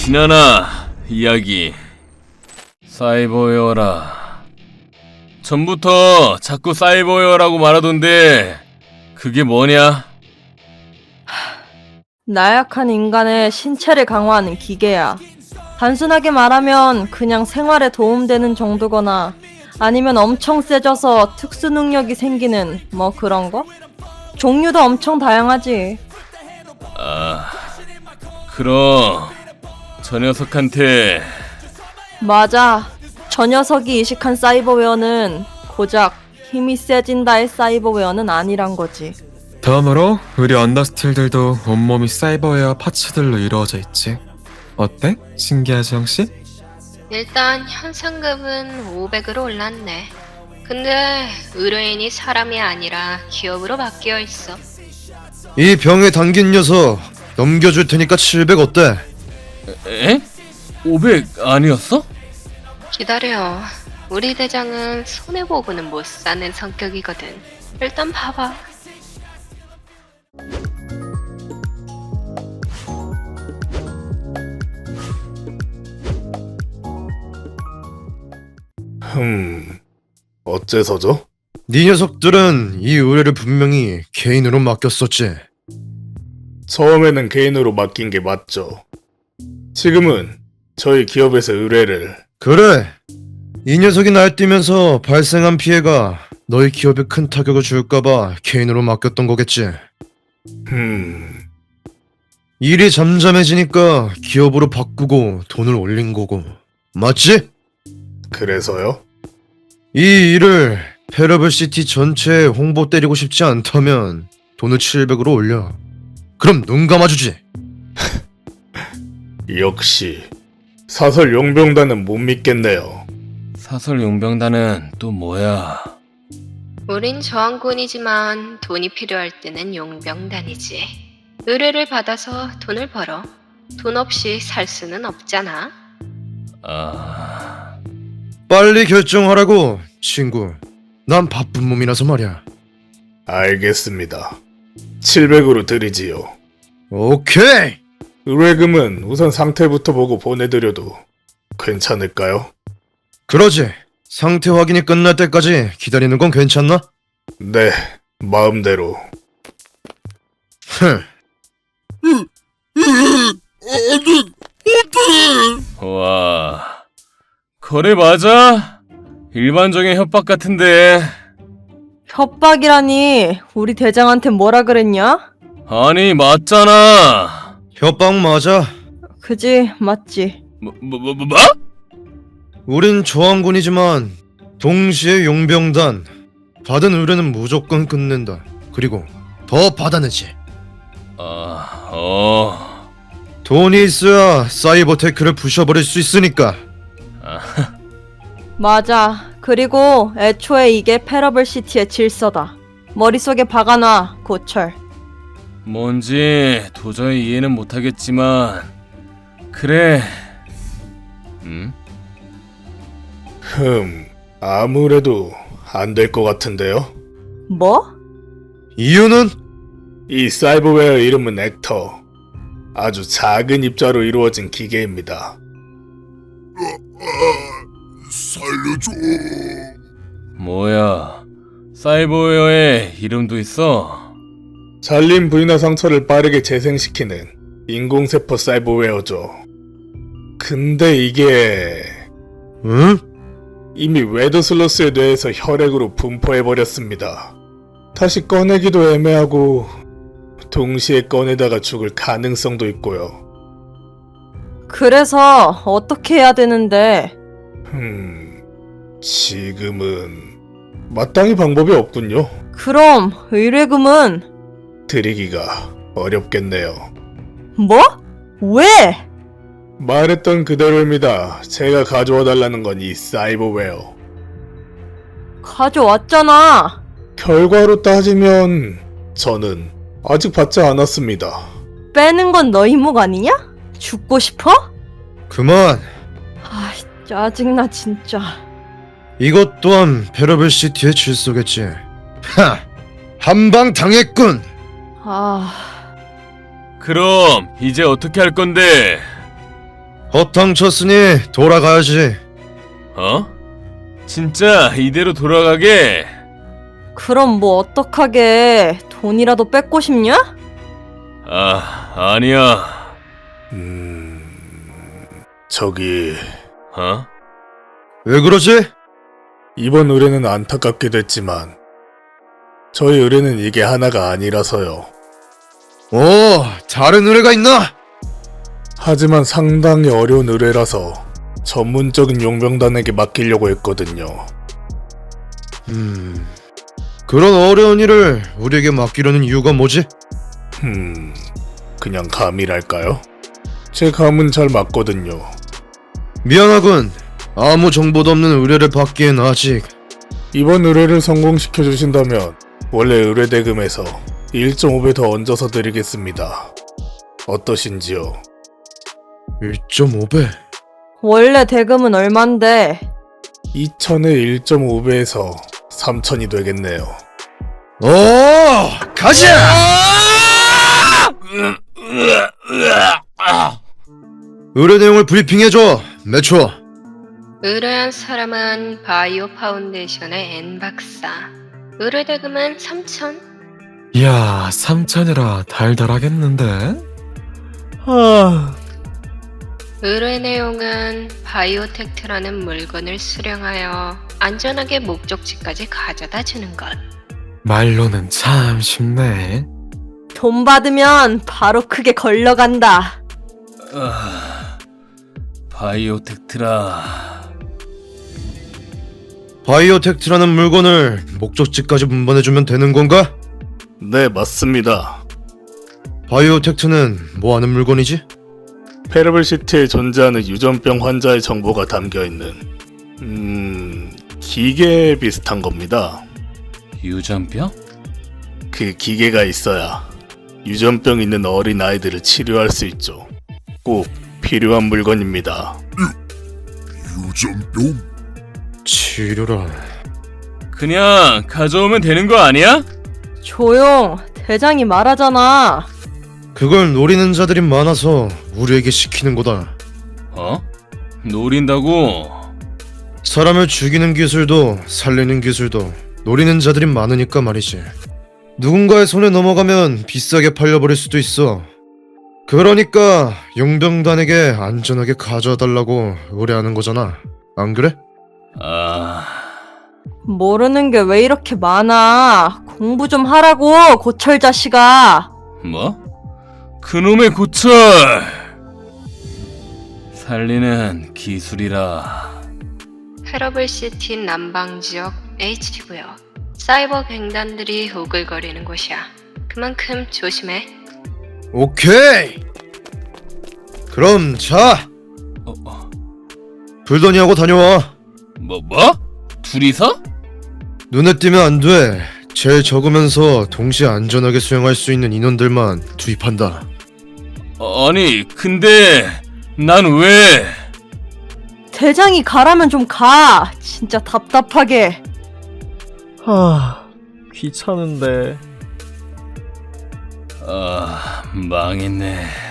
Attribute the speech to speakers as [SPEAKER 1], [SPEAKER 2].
[SPEAKER 1] 지나나 이야기. 사이버웨어라. 전부터 자꾸 사이버웨어라고 말하던데 그게 뭐냐?
[SPEAKER 2] 나약한 인간의 신체를 강화하는 기계야. 단순하게 말하면 그냥 생활에 도움되는 정도거나 아니면 엄청 세져서 특수 능력이 생기는 뭐 그런 거? 종류도 엄청 다양하지.
[SPEAKER 1] 그럼 저 녀석한테
[SPEAKER 2] 맞아. 저 녀석이 이식한 사이버웨어는 고작 힘이 세진다의 사이버웨어는 아니란 거지.
[SPEAKER 3] 다음으로 우리 언더스틸들도 온몸이 사이버웨어 파츠들로 이루어져 있지. 어때? 신기하지 형씨?
[SPEAKER 4] 일단 현상금은 500으로 올랐네. 근데 의뢰인이 사람이 아니라 기업으로 바뀌어 있어.
[SPEAKER 5] 이 병에 담긴 녀석 넘겨줄 테니까 700 어때?
[SPEAKER 1] 에? 500 아니었어?
[SPEAKER 4] 기다려. 우리 대장은 손해보고는 못 사는 성격이거든. 일단 봐봐.
[SPEAKER 6] 어째서죠?
[SPEAKER 5] 네 녀석들은 이 의뢰를 분명히 개인으로 맡겼었지.
[SPEAKER 6] 처음에는 개인으로 맡긴 게 맞죠. 지금은 저희 기업에서 의뢰를.
[SPEAKER 5] 그래. 이 녀석이 날뛰면서 발생한 피해가 너희 기업에 큰 타격을 줄까봐 개인으로 맡겼던 거겠지. 일이 잠잠해지니까 기업으로 바꾸고 돈을 올린 거고. 맞지?
[SPEAKER 6] 그래서요?
[SPEAKER 5] 이 일을 페러블시티 전체에 홍보 때리고 싶지 않다면 돈을 700으로 올려. 그럼 눈 감아주지.
[SPEAKER 6] 역시 사설 용병단은 못 믿겠네요.
[SPEAKER 1] 사설 용병단은 또 뭐야?
[SPEAKER 4] 우린 저항군이지만 돈이 필요할 때는 용병단이지. 의뢰를 받아서 돈을 벌어. 돈 없이 살 수는 없잖아.
[SPEAKER 5] 빨리 결정하라고, 친구. 난 바쁜 몸이라서 말이야.
[SPEAKER 6] 알겠습니다. 700으로 드리지요.
[SPEAKER 5] 오케이!
[SPEAKER 6] 의뢰금은 우선 상태부터 보고 보내드려도 괜찮을까요?
[SPEAKER 5] 그러지. 상태 확인이 끝날 때까지 기다리는 건 괜찮나?
[SPEAKER 6] 네, 마음대로.
[SPEAKER 5] 흥.
[SPEAKER 1] 와, 거래 맞아? 일반적인 협박 같은데.
[SPEAKER 2] 협박이라니. 우리 대장한테 뭐라 그랬냐?
[SPEAKER 1] 아니, 맞잖아.
[SPEAKER 5] 협박 맞아.
[SPEAKER 2] 그지, 맞지.
[SPEAKER 1] 뭐?
[SPEAKER 5] 우린 저항군이지만 동시에 용병단. 받은 의뢰는 무조건 끝낸다. 그리고 더 받아내지. 돈이 있어야 사이버 테크를 부셔버릴 수 있으니까.
[SPEAKER 2] 맞아. 그리고 애초에 이게 페러블시티의 질서다. 머릿속에 박아놔, 고철.
[SPEAKER 1] 뭔지 도저히 이해는 못하겠지만 그래.
[SPEAKER 6] 아무래도 안 될 것 같은데요?
[SPEAKER 2] 뭐?
[SPEAKER 5] 이유는?
[SPEAKER 6] 이 사이버웨어 이름은 액터. 아주 작은 입자로 이루어진 기계입니다.
[SPEAKER 1] 뭐야, 사이버웨어에 이름도 있어?
[SPEAKER 6] 잘린 부위나 상처를 빠르게 재생시키는 인공세포 사이버웨어죠. 근데 이게
[SPEAKER 5] 응?
[SPEAKER 6] 이미 웨더슬러스의 뇌에서 혈액으로 분포해버렸습니다. 다시 꺼내기도 애매하고 동시에 꺼내다가 죽을 가능성도 있고요.
[SPEAKER 2] 그래서 어떻게 해야 되는데?
[SPEAKER 6] 지금은 마땅히 방법이 없군요.
[SPEAKER 2] 그럼 의뢰금은?
[SPEAKER 6] 드리기가 어렵겠네요.
[SPEAKER 2] 뭐? 왜?
[SPEAKER 6] 말했던 그대로입니다. 제가 가져와 달라는 건 이 사이버웨어.
[SPEAKER 2] 가져왔잖아.
[SPEAKER 6] 결과로 따지면 저는 아직 받지 않았습니다.
[SPEAKER 2] 빼는 건 너 이목 아니냐? 죽고 싶어?
[SPEAKER 5] 그만.
[SPEAKER 2] 아, 짜증나 진짜.
[SPEAKER 5] 이것 또한 페러블시티의 질서겠지. 하! 한방 당했군.
[SPEAKER 2] 아,
[SPEAKER 1] 그럼 이제 어떻게 할 건데?
[SPEAKER 5] 허탕 쳤으니 돌아가야지.
[SPEAKER 1] 어? 진짜 이대로 돌아가게?
[SPEAKER 2] 그럼 뭐 어떡하게 돈이라도 뺏고 싶냐?
[SPEAKER 1] 아니야.
[SPEAKER 6] 저기
[SPEAKER 1] 어?
[SPEAKER 5] 왜 그러지?
[SPEAKER 6] 이번 의뢰는 안타깝게 됐지만 저희 의뢰는 이게 하나가 아니라서요.
[SPEAKER 5] 오, 다른 의뢰가 있나?
[SPEAKER 6] 하지만 상당히 어려운 의뢰라서 전문적인 용병단에게 맡기려고 했거든요.
[SPEAKER 5] 그런 어려운 일을 우리에게 맡기려는 이유가 뭐지?
[SPEAKER 6] 그냥 감이랄까요? 제 감은 잘 맞거든요.
[SPEAKER 5] 미안하군. 아무 정보도 없는 의뢰를 받기엔 아직.
[SPEAKER 6] 이번 의뢰를 성공시켜 주신다면 원래 의뢰 대금에서 1.5배 더 얹어서 드리겠습니다. 어떠신지요?
[SPEAKER 5] 1.5배.
[SPEAKER 2] 원래 대금은 얼만데?
[SPEAKER 6] 2,000에 1.5배에서 3,000이 되겠네요.
[SPEAKER 5] 오, 가자! 의뢰 내용을 브리핑해줘, 매초.
[SPEAKER 4] 의뢰한 사람은 바이오 파운데이션의 N 박사. 의뢰 대금은 3,000.
[SPEAKER 3] 이야, 3천이라 달달하겠는데?
[SPEAKER 4] 의뢰 내용은 바이오텍트라는 물건을 수령하여 안전하게 목적지까지 가져다 주는 것.
[SPEAKER 3] 말로는 참 쉽네.
[SPEAKER 2] 돈 받으면 바로 크게 걸러간다.
[SPEAKER 1] 바이오텍트라.
[SPEAKER 5] 바이오텍트라는 물건을 목적지까지 운반해주면 되는 건가?
[SPEAKER 6] 네, 맞습니다.
[SPEAKER 5] 바이오텍트는 뭐 하는 물건이지?
[SPEAKER 6] 페러블시티에 존재하는 유전병 환자의 정보가 담겨있는 기계 비슷한 겁니다.
[SPEAKER 1] 유전병?
[SPEAKER 6] 그 기계가 있어야 유전병 있는 어린 아이들을 치료할 수 있죠. 꼭 필요한 물건입니다.
[SPEAKER 5] 치료라.
[SPEAKER 1] 그냥 가져오면 되는 거 아니야?
[SPEAKER 2] 조용. 대장이 말하잖아.
[SPEAKER 5] 그걸 노리는 자들이 많아서 우리에게 시키는 거다.
[SPEAKER 1] 어? 노린다고?
[SPEAKER 5] 사람을 죽이는 기술도 살리는 기술도 노리는 자들이 많으니까 말이지. 누군가의 손에 넘어가면 비싸게 팔려버릴 수도 있어. 그러니까 용병단에게 안전하게 가져와 달라고 의뢰하는 거잖아. 안 그래?
[SPEAKER 2] 모르는 게 왜 이렇게 많아. 공부 좀 하라고, 고철 자식아.
[SPEAKER 1] 뭐? 그놈의 고철! 살리는 기술이라.
[SPEAKER 4] 페러블시티 남방지역 H구역. 사이버 갱단들이 오글거리는 곳이야. 그만큼 조심해.
[SPEAKER 5] 오케이. 그럼 자, 불더니하고 다녀와.
[SPEAKER 1] 뭐? 둘이서?
[SPEAKER 5] 눈에 띄면 안 돼. 제일 적으면서 동시에 안전하게 수행할 수 있는 인원들만 투입한다.
[SPEAKER 1] 아니, 근데 난 왜?
[SPEAKER 2] 대장이 가라면 좀 가. 진짜 답답하게.
[SPEAKER 7] 귀찮은데.
[SPEAKER 1] 망했네.